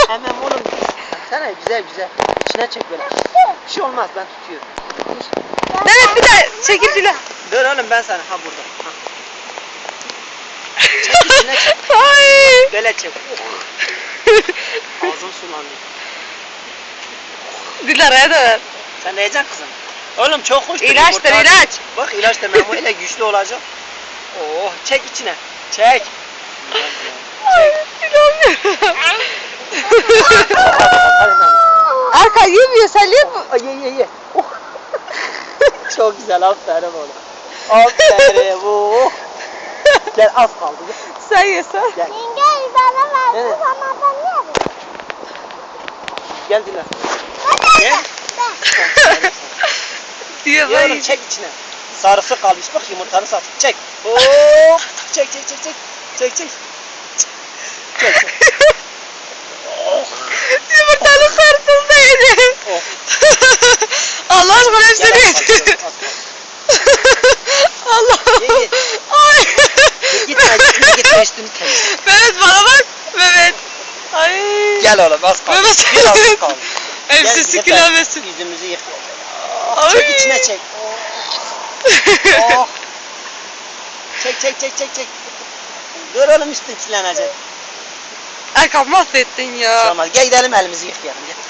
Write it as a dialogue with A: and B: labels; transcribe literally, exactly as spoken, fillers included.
A: Emem oğlum. Sana güzel güzel. İçine çek böyle. Bir şey olmaz, ben tutuyorum.
B: Mehmet bir daha çekil Dilan.
A: Dur oğlum, ben sana. Ha burada. Ha. Çek içine çek.
B: Ay.
A: Böyle çek. Ağzım sulandı.
B: Dilara'ya da ver.
A: Sen ne yiyeceksin kızım? Oğlum çok hoş.
B: İlaçtır ilaç.
A: Bak ilaç da ben bu ile güçlü olacak. Oh, çek içine. Çek.
B: Ay inanmıyorum. Erkan yemiyor, sen yeme.
A: Ay ye ye ye. Oh. Çok güzel, aferin oğlum. Aferin bu. Gel, az kaldı. Gel.
B: Sen ye sen.
A: Gel.
C: Yenge bana ver.
A: Evet.
C: Bu zaman ben yerim.
A: Gel Dilan. Gel.
B: Diyor
A: Ye oğlum,
B: ben.
A: çek içine. Sarısı kalmış, bak yumurtanı sat. Çek. Hop. Çek çek çek çek. Çek çek. Çek çek.
B: Yumurtanın kartını da yedi.
A: Oh.
B: Allah aşkına
A: Gel,
B: hepsini
A: az
B: yedi.
A: kaldı, az kaldı.
B: Allah.
A: Ye ye.
B: Ay.
A: Gitme gitme gitme, üstünü temizle.
B: Mehmet bana bak. Mehmet. Ay.
A: Gel oğlum, az kaldı.
B: Mehmet.
A: Biraz kaldı.
B: Hepsi
A: Gel,
B: sikilenmesin.
A: Yüzümüzü yık.
B: Ay.
A: Çek içine çek. Oh. Çek çek çek çek çek. Dur oğlum, üstün çilenecek.
B: Erkan mahvettin
A: Şey
B: ya.
A: olmaz. Gel gidelim, elimizi yıkayalım. Gel.